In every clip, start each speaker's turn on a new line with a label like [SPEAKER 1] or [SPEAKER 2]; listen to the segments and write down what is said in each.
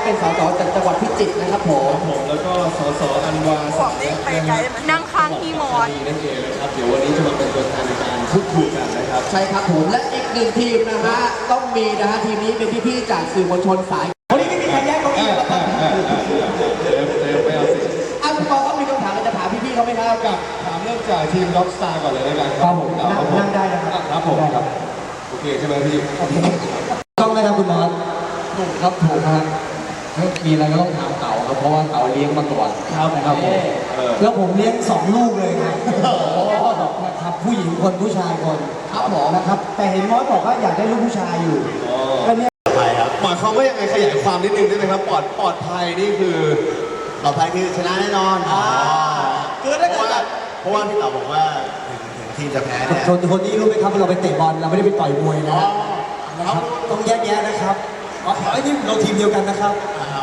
[SPEAKER 1] เป็นสสจากจังหวัดพิจิตรนะครับผม
[SPEAKER 2] แล้วก็สสอันวาสัก
[SPEAKER 3] นั่งข้างพี่มอส
[SPEAKER 2] นั่นเองนะครับเดี๋ยววันนี้จะมาเป็นตัวแทนในการพูดคุยกันนะครับ
[SPEAKER 1] ใช่ครับผมและอีกหนึ่งทีมนะฮะต้องมีนะฮะทีมนี้เป็นพี่ๆจากสื่อมวลชนสายวันนี้ไม่มีใครแย่งเก้าอี้ครับ
[SPEAKER 2] ไม่เอาสิ
[SPEAKER 1] คุณปอก็มีคำถามจะถามพี่ๆเขาไหมครับ
[SPEAKER 2] กับถามเริ่มจากทีมด็อกสตาร์ก่อนเลยแล้วกันครับผม
[SPEAKER 1] นั่งได้นะครับ
[SPEAKER 2] ครับผมครับโอเคใช่ไหมพี่
[SPEAKER 4] ต้องไหมครับคุณมอสถูกครับถูกครับมีอะไรก็ต้องถามเต่าครับเพราะว่าเต่าเลี้ยงมาก่อนนะครับผมแล้วผมเลี้ยง2 ลูกเลยนะครับผู้หญิงคนผู้ชายคน
[SPEAKER 1] ครับผม
[SPEAKER 4] นะครับแต่เห็นมอสบอกว่าอยากได้ลูกผู้ชายอยู่ก็เนี่ย
[SPEAKER 2] ปลอดภัยครับหมายความว่ายังไงขยายความนิดนึงได้ไหมครับปลอดภัยนี่คือ
[SPEAKER 5] ปลอดภัยคือชนะแน่นอน
[SPEAKER 1] คือถ้าเกิด
[SPEAKER 5] เพราะว่าพี่เต๋อบอกว่าถึงทีมจะแพ้เนี่ย
[SPEAKER 4] คนนี้รู้ไหมครับเราไปเตะบอลเราไม่ได้ไปต่อยมวยนะครับต้องแยกแยะนะครับไอ้นี่เราทีมเดียวกันนะครับ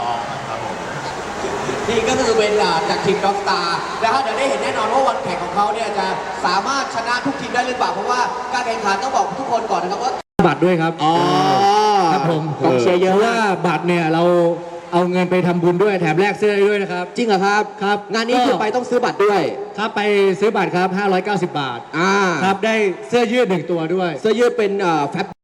[SPEAKER 1] นี่ก็คือเป็นจากทีมด็อกสตาร์นะฮะเดี๋ยวได้เห็นแน่นอนว่าวันแข่งของเขาเนี่ยจะสามารถชนะทุกทีมได้หรือเปล่าเพราะว่าการแข่งขันต้องบอกทุกคนก่อนนะครับว่า
[SPEAKER 6] บัตรด้วยครับครับผม
[SPEAKER 1] กองเชียร์เยอะ
[SPEAKER 6] ว่าบัตรเนี่ยเราเอาเงินไปทำบุญด้วยแถมแลกเสื้อได้ด้วยนะครับ
[SPEAKER 1] จริงเหรอครับ
[SPEAKER 6] ครับ
[SPEAKER 1] งานนี้คือไปต้องซื้อบัตรด้วย
[SPEAKER 6] ครับไปซื้อบัตรครับ590 บาทครับได้เสื้อยืด1 ตัวด้วย
[SPEAKER 1] เสื้อยืดเป็นแฟบ